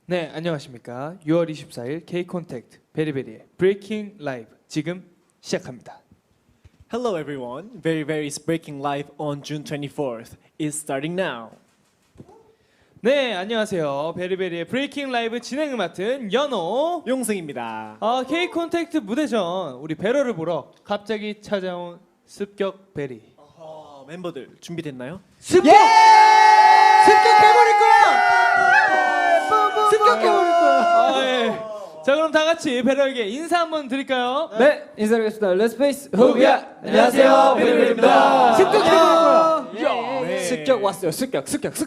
네, 안녕하십니까. 6월 24일 K 콘택트 베리베리의 브레이킹 라이브 지금 시작합니다. Hello everyone, Very breaking live on June 24th is starting now. 네, 안녕하세요. 베리베리의 브레이킹 라이브 진행을 맡은 연호 용승입니다. K 콘택트 무대 전 우리 베러를 보러 갑자기 찾아온 습격 베리. 멤버들 준비됐나요? 습격해버릴 거야! 습격해버릴 거야! 예. 자, 그럼 다 같이 베러에게 인사 한번 드릴까요? 네, 인사드리겠습니다. 렛츠페이스 호비야! 안녕하세요, 베리베리입니다. 습격해버릴 거야! 네. 습격 왔어요. 습격.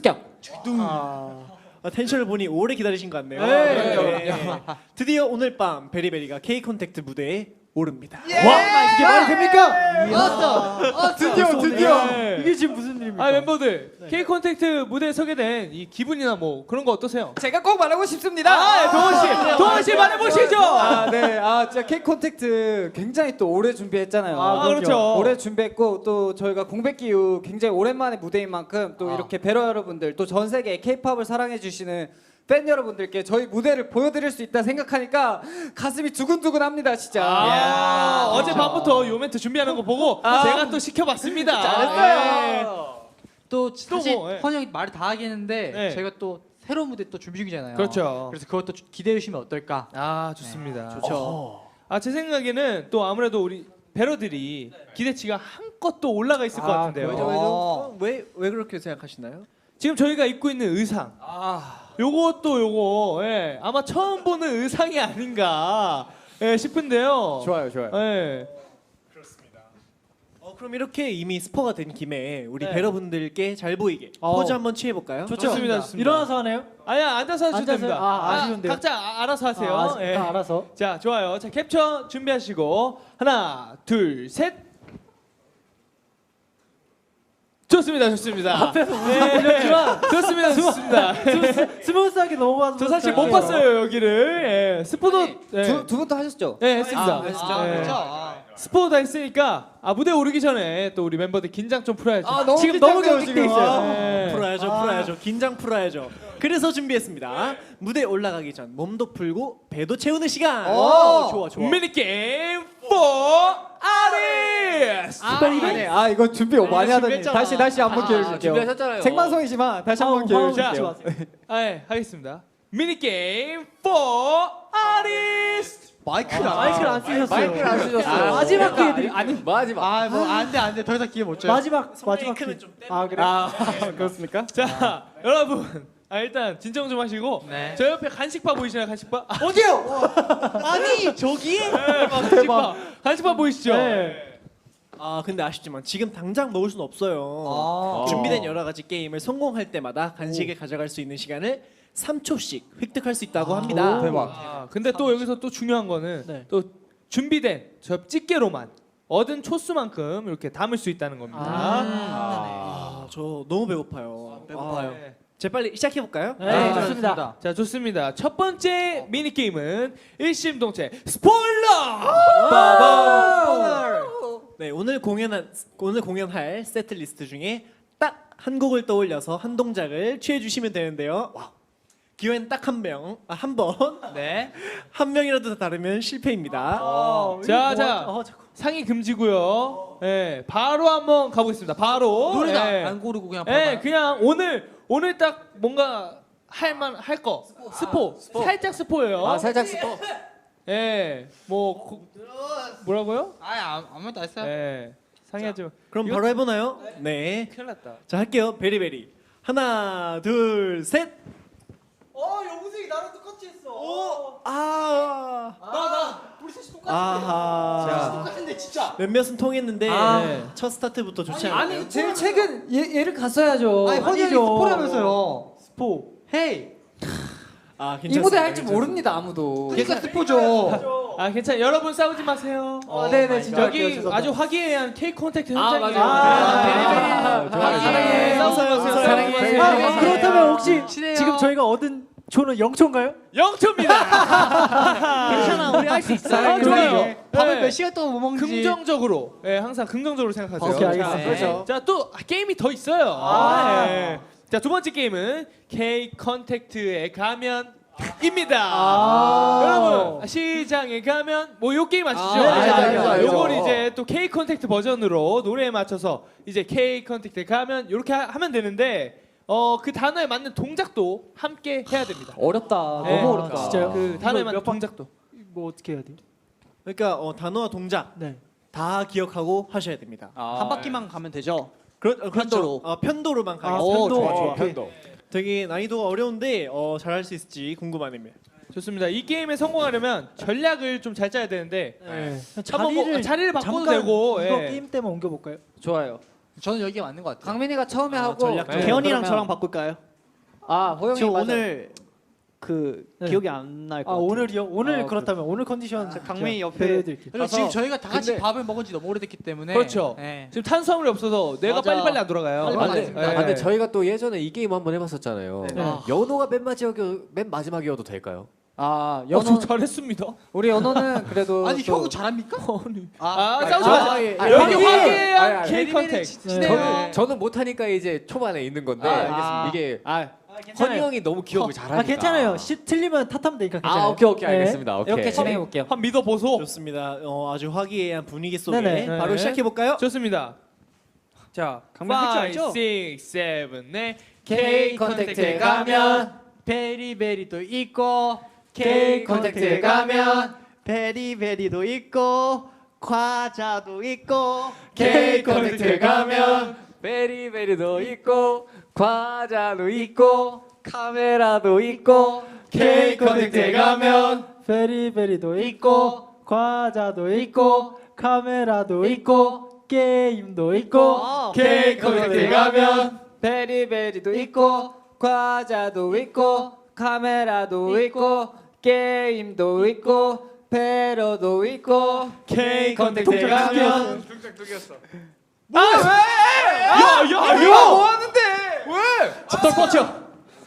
텐션을 보니 오래 기다리신 것 같네요. 네. 드디어 오늘 밤 베리베리가 K 콘택트 무대에 오릅니다. 와, 이게 말이 됩니까? 왔어. 드디어. 네. 이게 지금 무슨 일입니까? 멤버들 K 콘택트 무대에 서게 된 이 기분이나 뭐 그런 거 어떠세요? 제가 꼭 말하고 싶습니다. 동원 씨 말해보시죠. 네. 진짜 K 콘택트 굉장히 또 오래 준비했잖아요. 그렇죠. 오래 준비했고 또 저희가 공백기 이후 굉장히 오랜만에 무대인 만큼 또 이렇게 베러 여러분들 또 전 세계 K-팝을 사랑해 주시는 팬 여러분들께 저희 무대를 보여드릴 수 있다 생각하니까 가슴이 두근두근합니다, 진짜. 어젯밤부터 요 멘트 준비하는 거 보고 제가 또 시켜봤습니다. 잘했어요. 또 사실 뭐, 예. 헌 형이 말을 다 하겠는데 네. 저희가 또 새로운 무대 또 준비 중이잖아요. 그렇죠. 그래서 그것도 기대해 주시면 어떨까? 좋습니다. 좋죠. 제 생각에는 또 아무래도 우리 배러들이 기대치가 한껏 또 올라가 있을 것 같은데요. 왜 그렇게 생각하시나요? 지금 저희가 입고 있는 의상, 요거 아마 처음 보는 의상이 아닌가 싶은데요. 좋아요. 예. 그럼 이렇게 이미 스포가 된 김에 우리 네. 베러분들께 잘 보이게 포즈 한번 취해볼까요? 좋습니다. 일어나서 하나요? 아니야, 앉아서 하셔도 앉아서- 됩니다. 아쉬운데요? 각자 알아서 하세요. 예. 알아서. 자, 좋아요. 자, 캡처 준비하시고 하나, 둘, 셋. 좋습니다. 앞에서 좋습니다. 스무스하게 넘어가서 저 사실 못 봤어요 여기를. 스포도 두 분 다 하셨죠? 네, 했습니다. 스포 다 했으니까 무대 오르기 전에 또 우리 멤버들 긴장 좀 풀어야죠. 지금 너무 경직돼 있어요. 네. 풀어야죠. 긴장 풀어야죠. 그래서 준비했습니다. 무대 올라가기 전 몸도 풀고 배도 채우는 시간. 좋아. 미니 게임 4 아리스. 이거 준비 많이 하더니 다시 한번 기회 줄게요. 준비하셨잖아요. 생방송이지만 다시 한번 기회 줄게요. 하겠습니다. 미니 게임 4 아리스. 마이크를 안 쓰셨어요. 마지막 기회 드리. 마지막. 뭐 안돼 더 이상 기회 못 줘요. 마이크는 좀 떼는 그래? 그렇습니까? 자, 여러분. 일단 진정 좀 하시고 네. 저 옆에 간식바 보이시나요? 간식바? 어디요? 아니 저기? 간식바 보이시죠? 근데 아쉽지만 지금 당장 먹을 수는 없어요. 준비된 여러 가지 게임을 성공할 때마다 간식을 가져갈 수 있는 시간을 3초씩 획득할 수 있다고 합니다. 대박. 근데 또 여기서 또 중요한 거는 또 준비된 저 집게로만 얻은 초수만큼 이렇게 담을 수 있다는 겁니다. 저 너무 배고파요. 네. 제 빨리 시작해 볼까요? 네, 좋습니다. 자, 좋습니다. 첫 번째 미니 게임은 일심동체 스포일러. 네, 오늘 공연할 세트 리스트 중에 딱 한 곡을 떠올려서 한 동작을 취해 주시면 되는데요. 기회는 딱 한 번. 네. 한 명이라도 다르면 실패입니다. 자, 상의 금지고요. 네, 바로 한번 가보겠습니다. 바로. 노래도 네. 안 고르고 그냥 네, 그냥 오늘 딱 뭔가 할 거. 스포. 살짝 스포예요. 살짝 스포. 예. 뭐라고요? 아무것도 안 했어요. 예. 상의하지 마. 그럼 이거- 바로 해보나요? 네. 큰일 났다. 자, 할게요. 베리베리. 하나, 둘, 셋. 영승이 나랑 똑같이 했어. 우리 셋이 아하. 똑같은데 진짜. 몇몇은 통했는데 네. 첫 스타트부터 좋지 않아요. 아니 제일 최근 얘를 갔어야죠. 헌이 형이 스포라면서요. 스포. 헤이. 이 무대 할 줄 모릅니다 아무도. 그러니까 스포죠. 괜찮아요. 여러분 싸우지 마세요. 네네 진짜 여기 아주 화기애애한 K 콘택트 현장이에요. 맞아요. 사랑해. 사랑해. 그렇다면 혹시 지금 저희가 얻은 조는 0초인가요? 0초입니다. 괜찮아, 우리 할 수 있어. 좋아요. 밥을 네. 몇 시간 동안 못 먹는지. 긍정적으로. 항상 긍정적으로 생각하세요. 오케이, 알겠습니다. 자, 그렇죠. 자, 또 게임이 더 있어요. 자, 두 번째 게임은 K 컨택트에 가면 여러분 시장에 가면 뭐 요 게임 아시죠? 알죠. 요걸 이제 또 K 컨택트 버전으로 노래에 맞춰서 이제 K 컨택트 가면 이렇게 하면 되는데 그 단어에 맞는 동작도 함께 해야 됩니다. 어렵다. 네. 너무 어렵다. 진짜요? 그 단어에 이거 맞는 몇 번- 동작도. 뭐 어떻게 해야 돼요? 그러니까 단어와 동작 네. 다 기억하고 하셔야 됩니다. 한 바퀴만 가면 되죠. 그렇죠. 편도로. 편도로만 가겠습니다. 오, 좋아. 편도. 되게 난이도가 어려운데 잘할 수 있을지 궁금하네요. 좋습니다. 이 게임에 성공하려면 전략을 좀 잘 짜야 되는데 네. 한번 뭐 자리를 바꿔도 잠깐 되고 이거 예. 게임 때문에 옮겨 볼까요? 좋아요. 저는 여기가 맞는 것 같아요. 강민이가 처음에 하고 전략적으로. 네, 개연이랑 그러면- 저랑 바꿀까요? 호영이 지금 맞아. 오늘 그 네. 기억이 안 날 것 같아요. 오늘이요? 오늘 아, 그렇다면 오늘 컨디션 강민이 옆에 배려해드릴게요. 그리고 지금 저희가 다 같이 근데- 밥을 먹은 지 너무 오래됐기 때문에 그렇죠. 네. 지금 탄수화물이 없어서 뇌가 맞아. 빨리빨리 안 돌아가요. 빨리 근데, 맞습니다. 예. 근데 저희가 또 예전에 이 게임 한번 해봤었잖아요. 네. 연호가 맨 마지막이어도 될까요? 연호 저 잘했습니다. 우리 연호는 그래도 아니 또- 형은 잘합니까? 싸우지 마세요. 예. 여기 아니, 화기애애한 아니, K 컨택. 저는 못하니까 이제 초반에 있는 건데 알겠습니다. 이게 허니 괜찮아요. 형이 너무 기억을 잘하니까. 괜찮아요. 틀리면 탓하면 되니까 괜찮아요. 오케이 네. 알겠습니다. 오케이. 이렇게 진행해 볼게요. 한번 믿어보소. 좋습니다. 아주 화기애애한 분위기 속에 네네. 바로 네. 시작해 볼까요? 좋습니다. 자, 강민 할줄 알죠? 5, 6, 7, 8 K 컨택트에 가면 베리베리도 있고 K 컨택트에 가면 베리베리도 있고 과자도 있고 K 컨택트에 가면 베리베리도 있고 과자도 있고 카메라도 있고 K 컨택트에 가면 베리베리도 있고 과자도 있고 카메라도 있고 게임도 있고 K 컨택트에 가면 베리베리도 있고 과자도 있고 카메라도 있고 게임도 있고 배로도 있고 K 컨택트에 가면 뭐 하는데? 왜? 집돌 뻗쳐.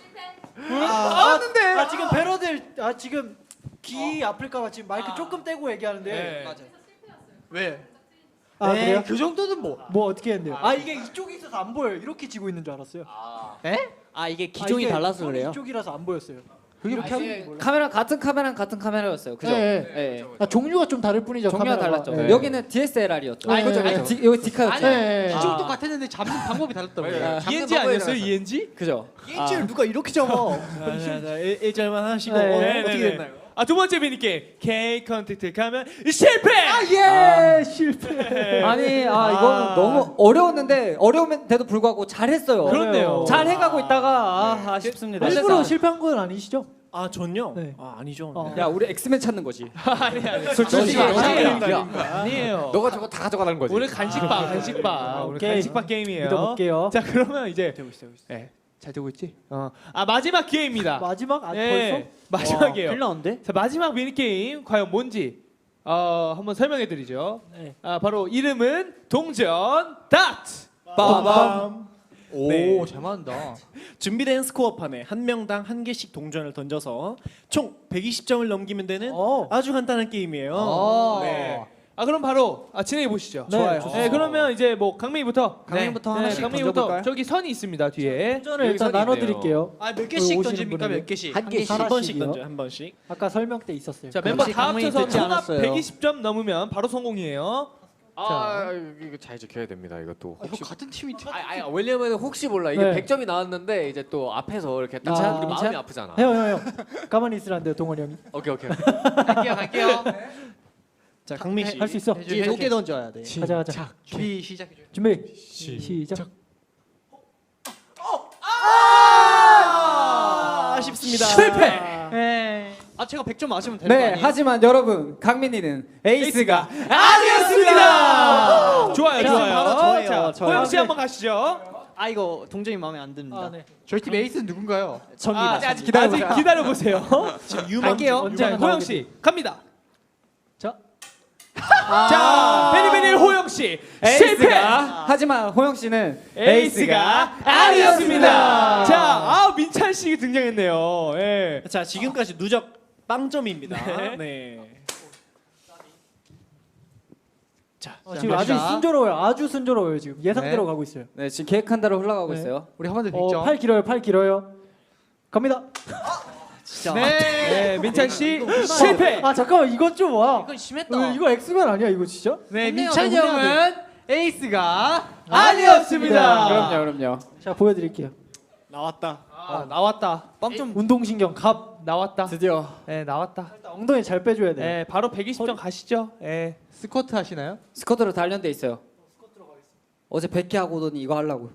지금 배러들 지금 귀 아플까봐 지금 마이크 조금 떼고 얘기하는데 네. 왜? 그래요? 그 정도는 뭐? 뭐 어떻게 했는데요? 이게 이쪽에 있어서 안 보여요. 이렇게 지고 있는 줄 알았어요. 이게 기종이 이게 달라서 손이 그래요? 이쪽이라서 안 보였어요. 이렇게 하면 몰라. 카메라 같은 카메라였어요. 그죠? 네. 종류가 좀 다를 뿐이죠. 종류가 카메라가. 달랐죠. 네. 여기는 DSLR이었죠. 네. 그죠? 여기 디카였죠. 아니 네. 기종도 같았는데 잡는 방법이 달랐다고요. ENG 아니었어요? ENG? 그죠? 일주일 누가 이렇게 적어? 자, 1절만 하시고 네. 어떻게 됐나요? 두 번째 미니게임 K 컨택트 가면 실패. 예 실패. 아니 이거 너무 어려웠는데 어려운데도 불구하고 잘했어요. 그렇네요. 잘 해가고 있다가 아쉽습니다. 일부러 실패한 건 아니시죠? 전요? 네. 아니죠. 야 우리 엑스맨 찾는 거지. 아니. 솔직히 아니에요. 너가 저거 다 가져가라는 거지. 오늘 간식밥. 오늘 오케이. 간식밥 게임이에요. 믿어볼게요. 자 그러면 이제 되고 있어. 잘 되고 있지? 마지막 기회입니다. 마지막 예, 벌써? 마지막이에요. 큰일 나는데? 자 마지막 미니 게임 과연 뭔지 한번 설명해드리죠. 네. 바로 이름은 동전 다트. 빠밤. 오, 네. 잘 맞는다. 준비된 스코어판에 한 명당 한 개씩 동전을 던져서 총 120점을 넘기면 되는 아주 간단한 게임이에요. 네. 그럼 바로 진행해 보시죠. 네, 좋아요. 좋습니다. 네, 그러면 이제 뭐 강민이부터. 강민부터 네, 하나씩 강민이부터 던져볼까요? 저기 선이 있습니다 뒤에. 동전을 여기 일단 선이 나눠드릴게요. 몇 개씩 오시는 던집니까? 분에게. 몇 개씩? 한 개씩. 한 번씩 하나씩이요? 던져 한 번씩. 아까 설명 때 있었어요. 자 멤버 역시 다 강민이 합쳐서 듣지 통합 않았어요. 120점 넘으면 바로 성공이에요. 이거 잘 지켜야 됩니다. 이것도 형 같은 팀이 왜냐면 혹시 몰라 이게 네. 100점이 나왔는데 이제 또 앞에서 이렇게 딱 아, 우리 마음이 괜찮- 아프잖아. 형 가만히 있으란데요 동원이 형이. 오케이. 갈게요. 자 강민 씨. 할 수 있어. 뒤에 높게 던져야 돼. 가자. 준비 시작해. 준비 시작. 아쉽습니다. 실패. 제가 100점 맞으면 되는 거 네, 아니에요? 하지만 여러분 강민이는 에이스가 아니었습니다. 좋아요, 자, 좋아요. 바로 저예요, 자, 저요. 호영 씨 한번 가시죠. 이거 동전이 마음에 안 듭니다. 네. 저희 팀 에이스는 누군가요? 아직 기다려 보세요. 지금 유망 갈게요. 언제나 호영 나오게 씨 갑니다. 자. 자, 베리베리 호영 씨 실패. 하지만 호영 씨는 에이스가 아니었습니다. 자, 민찬 씨 등장했네요. 예. 자 지금까지 누적 빵점입니다. 네. 자 지금 아주 순조로워요. 지금 예상대로 가고 있어요. 네 지금 계획한 대로 흘러가고 네. 있어요. 우리 한 번 더 빅점. 팔 길어요. 갑니다. 진짜. 네, 민찬 씨 실패. 아 잠깐만 이건 좀 와. 이건 심했다. 이거 엑스맨 아니야 이거 진짜? 네, 민찬이 민찬 형은 에이스가 아니었습니다. 그럼요. 자 보여드릴게요. 나왔다. 나왔다. 빵좀 운동신경 갑. 나왔다. 드디어. 네, 나왔다. 일단 엉덩이 잘 빼줘야 돼. 네, 바로 120점 가시죠. 네. 스쿼트 하시나요? 스쿼트로 단련돼 있어요. 어제 100개 하고 오더니 이거 하려고.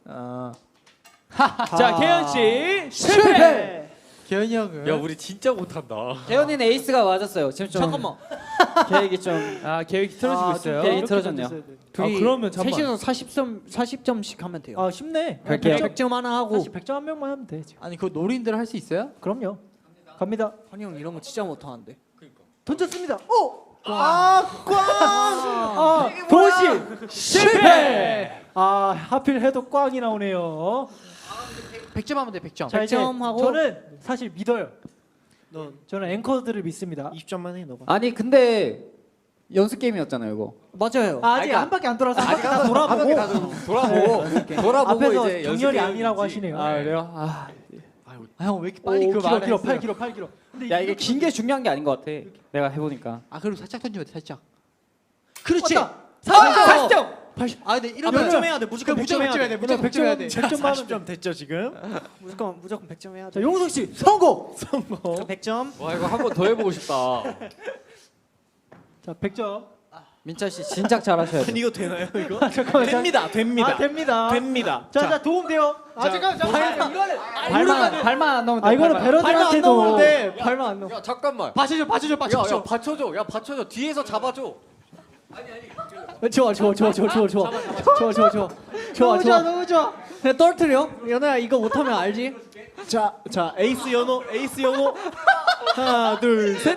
자, 계현 씨 실패. 기현이 형은 야 우리 진짜 못한다. 재현이는 에이스가 맞았어요. 지금 좀 잠깐만. 계획이 좀 계획이 틀어지고 있어요. 계획이 틀어졌네요. 그러면 잠깐만. 셋이서 40점씩 하면 돼요. 아 쉽네. 갈게요. 100점 하나 하고. 사실 100점 한 명만 하면 돼. 지금. 아니 그거 노린들 할 수 있어요? 그럼요. 갑니다. 환희 형 이런 거 진짜 못하는데. 던졌습니다. 오! 아 도시 실패. 아 하필 해도 꽝이 나오네요. 100점 하면 돼 100점. 자 이제 100점 하고. 저는 사실 믿어요. 넌 저는 앵커들을 믿습니다. 20점만 해 너가. 아니 근데 연습 게임이었잖아요 이거. 맞아요. 아직 한 바퀴 안 돌아서 한 바퀴 다 돌아보고 돌아보고 앞에서 이제 정렬이 연습 아니라고 게임이지. 하시네요. 그래요? 형 왜 이렇게 빨리 오, 그 길어, 말을 길어, 했어요? 8kg 8kg. 근데 야 이게 긴 게 중요한 게 아닌 것 같아. 내가 해보니까. 아 그리고 살짝 던지면 돼 살짝. 그렇지. 왔다. 40점. 아 근데 이러면 100점 해야 돼. 무조건 100점 해야 돼. 무조건 100점 해야 돼. 100점 하면 40점 됐죠 지금? 무조건 100점 해야 돼. 자 용석 씨 성공. 100점. 와 이거 한 번 더 해보고 싶다. 자 100점. 민찬 씨 진작 잘하셔야 돼. 아니 이거 되나요 이거? 잠깐만. 됩니다. 됩니다. 아 됩니다. 됩니다. 자 도움 돼요. 잠깐만. 발만 안 넣으면 돼. 아 이거는 베러들한테도 발만 안 넣어. 야 잠깐만. 받쳐줘 야 받쳐줘. 야 받쳐줘. 뒤에서 잡아줘. 좋아. 너무 좋아. 그냥 떨어뜨려. 연아야 이거 못하면 알지? 자 에이스 연호 하나 둘 셋.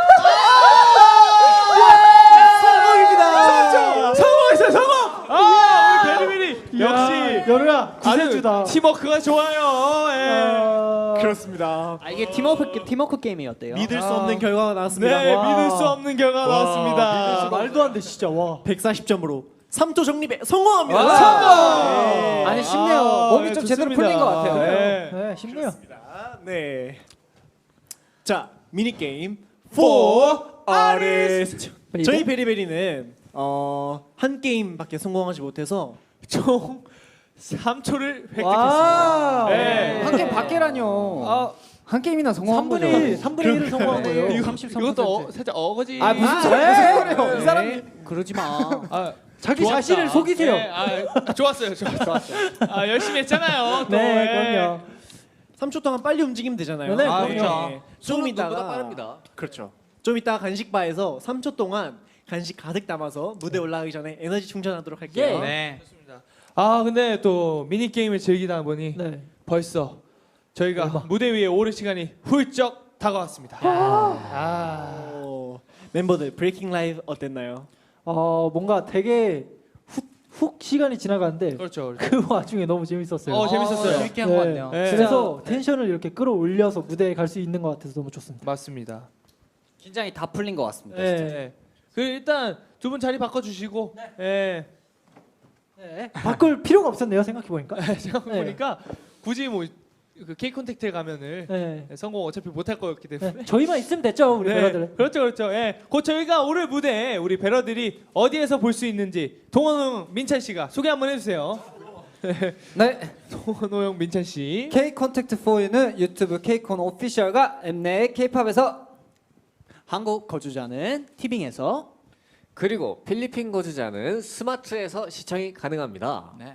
성공했어요, 성공. 우리 베리베리 역시 연우야 아주 구세주다. 팀워크가 좋아요. 예. 그렇습니다. 아 이게 팀워크 게임이었대요. 믿을 수 없는 결과가 나왔습니다. 네, 와. 믿을 수 없는 결과 나왔습니다. 말도 안 돼 진짜 와. 140점으로 3조 정립에 성공합니다. 성공! 아니 쉽네요. 몸이 좀 제대로 좋습니다. 풀린 것 같아요. 네. 네 쉽네요. 네. 자 미니 게임 For artist. 저희 베리베리는 한 게임밖에 성공하지 못해서 총 3초를 획득했습니다. 와. 네. 한 게임 밖에라뇨. 아, 한 게임이나 성공한 3분의 거죠. 1 3분의 1을 성공한 거예요. 이거, 33%. 이것도 살짝 어거지. 아 무슨 소리예요? 이 사람이 그러지 마. 아, 자기 좋았다. 자신을 속이세요. 네, 좋았어요. 열심히 했잖아요. 또. 네, 예. 그럼요. 3초 동안 빨리 움직이면 되잖아요. 네, 아, 그럼요. 그렇죠. 좀 누구보다 이따가 빠릅니다. 그렇죠. 좀 이따가 간식바에서 3초 동안 간식 가득 담아서 무대 올라가기 전에 에너지 충전하도록 할게요. 네. 근데 또 미니 게임을 즐기다 보니 네. 벌써 저희가 무대 위에 오를 시간이 훌쩍 다가왔습니다. 멤버들 브레이킹 라이브 어땠나요? 뭔가 되게 훅 시간이 지나가는데 그렇죠. 그 와중에 너무 재밌었어요. 재밌었어요. 재밌게 한 것 같네요. 네. 그래서 텐션을 이렇게 끌어올려서 무대에 갈 수 있는 것 같아서 너무 좋습니다. 맞습니다. 긴장이 다 풀린 것 같습니다. 네. 그 일단 두 분 자리 바꿔주시고. 네. 바꿀 필요가 없었네요 생각해 보니까. 생각해보니까 굳이 그 K 컨택트에 가면은 네. 성공 어차피 못할 거였기 때문에. 네. 저희만 있으면 됐죠 우리 배러들. 그렇죠. 예. 곧 저희가 오늘 무대에 우리 배러들이 어디에서 볼 수 있는지 동원호 민찬 씨가 소개 한번 해주세요. 네. 동원호 형 민찬 씨. K 컨택트 4U는 유튜브 K콘 오피셜과 엠넷 K팝에서 한국 거주자는 티빙에서 그리고 필리핀 거주자는 스마트에서 시청이 가능합니다. 네.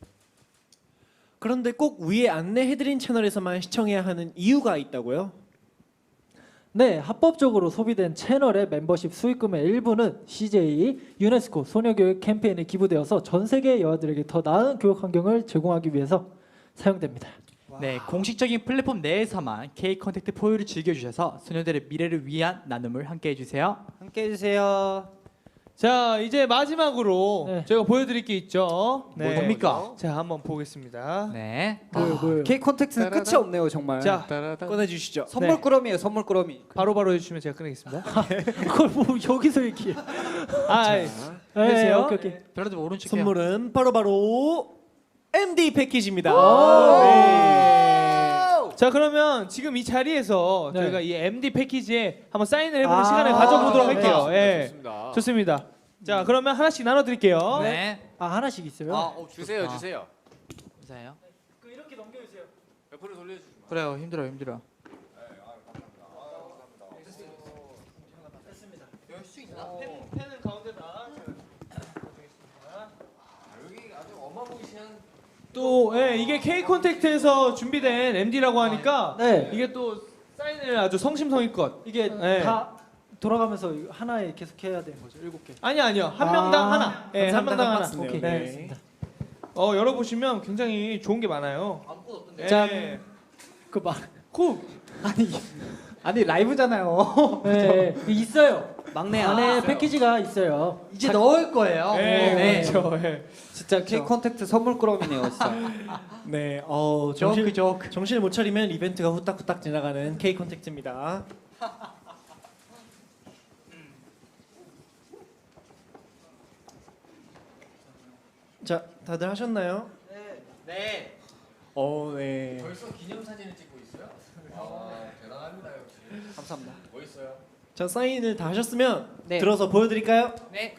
그런데 꼭 위에 안내해드린 채널에서만 시청해야 하는 이유가 있다고요? 네, 합법적으로 소비된 채널의 멤버십 수익금의 일부는 CJ 유네스코 소녀교육 캠페인에 기부되어서 전 세계 여아들에게 더 나은 교육 환경을 제공하기 위해서 사용됩니다. 네, 공식적인 플랫폼 내에서만 K 컨택트 포유를 즐겨주셔서 소녀들의 미래를 위한 나눔을 함께 해주세요. 함께 해주세요. 자 이제 마지막으로 네. 저희가 보여드릴 게 있죠. 네. 뭡니까? 자 한번 보겠습니다. 네. 뭐요? K 컨택트는 끝이 없네요 정말. 자 꺼내주시죠. 선물 꾸러미예요 선물 꾸러미. 바로바로 해주시면 제가 끊겠습니다. 그걸 뭐 여기서 얘기해. 아, 네, 오케이. 별로들 오른쪽 해요. 선물은 바로 MD 패키지입니다. 네. 자 그러면 지금 이 자리에서 네. 저희가 이 MD 패키지에 한번 사인을 해보는 아, 시간을 가져보도록 네. 할게요. 예. 좋습니다. 좋습니다. 자 그러면 하나씩 나눠드릴게요. 네. 아 하나씩 있어요? 주세요, 주세요. 감사해요. 이렇게 넘겨주세요. 옆으로 돌려주세요. 그래요. 힘들어. 펜은 가운데다. 여기 아주 어마무시한 또 이게 K 콘택트에서 준비된 MD라고 하니까 네. 이게 또 사인을 아주 성심성의껏. 이게 네. 다 돌아가면서 하나에 계속 해야 되는 거죠. 7개. 아니요 한 명당 하나. 예, 한 명당 하나. 박스네요. 오케이. 네. 알겠습니다. 열어보시면 굉장히 좋은 게 많아요. 아무것도 없던데. 자, 그 말. 아니 라이브잖아요. 네, 있어요. 막내야. 안에 패키지가 있어요. 이제 넣을 거예요. 네, 그렇죠. 예. 진짜 K 컨택트 선물 꾸러미네요, 진짜. 네, 조크. 정신을 못 차리면 이벤트가 후딱후딱 지나가는 K 콘택트입니다. 자, 다들 하셨나요? 네. 네. 벌써 기념사진을 찍고 있어요? 대단합니다 역시. 감사합니다. 멋있어요. 자, 사인을 다 하셨으면 네. 들어서 보여드릴까요? 네.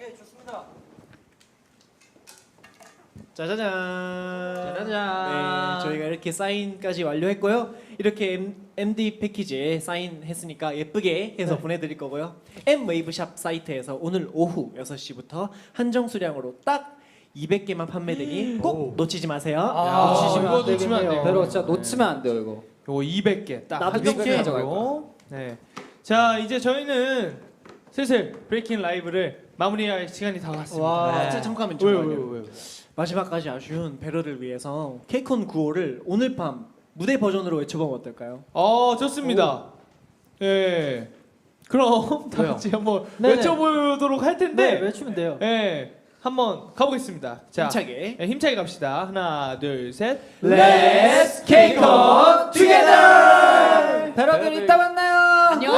짜자잔. 짜자잔. 네, 저희가 이렇게 사인까지 완료했고요. 이렇게 MD 패키지에 사인했으니까 예쁘게 해서 보내드릴 거고요. M웨이브샵 사이트에서 오늘 오후 6시부터 한정 수량으로 딱 200개만 판매되니 꼭 놓치지 마세요. 놓치시면 이거 안 놓치면 안 돼요. 배로 진짜 놓치면 안 돼요, 이거. 요거 200개 딱 나도 한정 200개 가져가고. 네. 자 이제 저희는 슬슬 브레이킹 라이브를 마무리할 시간이 다 왔습니다. 와. 진짜 잠깐만 왜요, 잠깐만요. 왜요? 마지막까지 아쉬운 배러를 위해서 케이콘 9호를 오늘 밤 무대 버전으로 외쳐보면 어떨까요? 좋습니다. 예. 그럼 다 왜요? 같이 한번 네네. 외쳐보도록 할 네, 텐데, 외치면 돼요. 예, 한번 가보겠습니다. 자, 힘차게. 힘차게 갑시다. 하나, 둘, 셋. Let's kick on together. 배러들 이따 만나요. 안녕.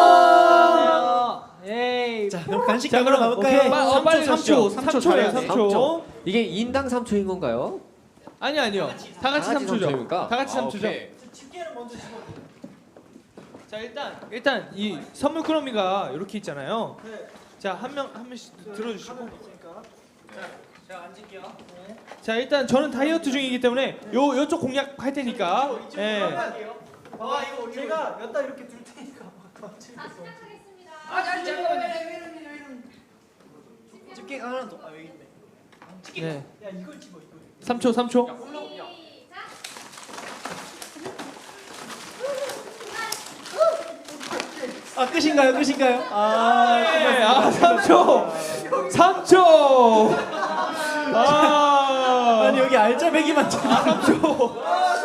에이. 자, 그럼 간식 자, 먹으러 그럼 가볼까요? 빨리 3초, 3초 3초예요, 잘해야 3초. 이게 인당 3초인 건가요? 아니요. 다 같이 3초죠. 삼초입니까? 다 같이 3초죠. 오케이. 자, 일단 이 선물 꾸러미가 이렇게 있잖아요. 자, 한 명씩 들어주시고. 제가 앉을게요. 자, 일단 저는 다이어트 중이기 때문에 요쪽 공략 할 테니까. 예. 아 이거 제가 여기다 이렇게 둘 테니까. 집게 하나 더. 여기 있네. 네. 야 이걸 집어 이거. 3초. 끝인가요? 끝인가요? 네, 3초. 3초. 아니 여기 알짜배기만 참. 3초.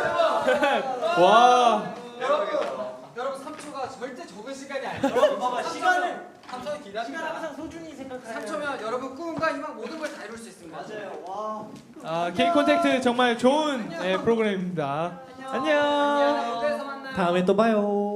와. 여러분 3초가 절대 적은 시간이 아니에요. 봐봐 시간을 3초 기다려. 시간 항상 소중히 생각해요. 3초면 여러분 꿈과 희망 모든 걸 다 이룰 수 있습니다. 맞아요. 와. K 콘택트 정말 좋은 프로그램입니다. 안녕. 무대에서 만나요. 다음에 또 봐요.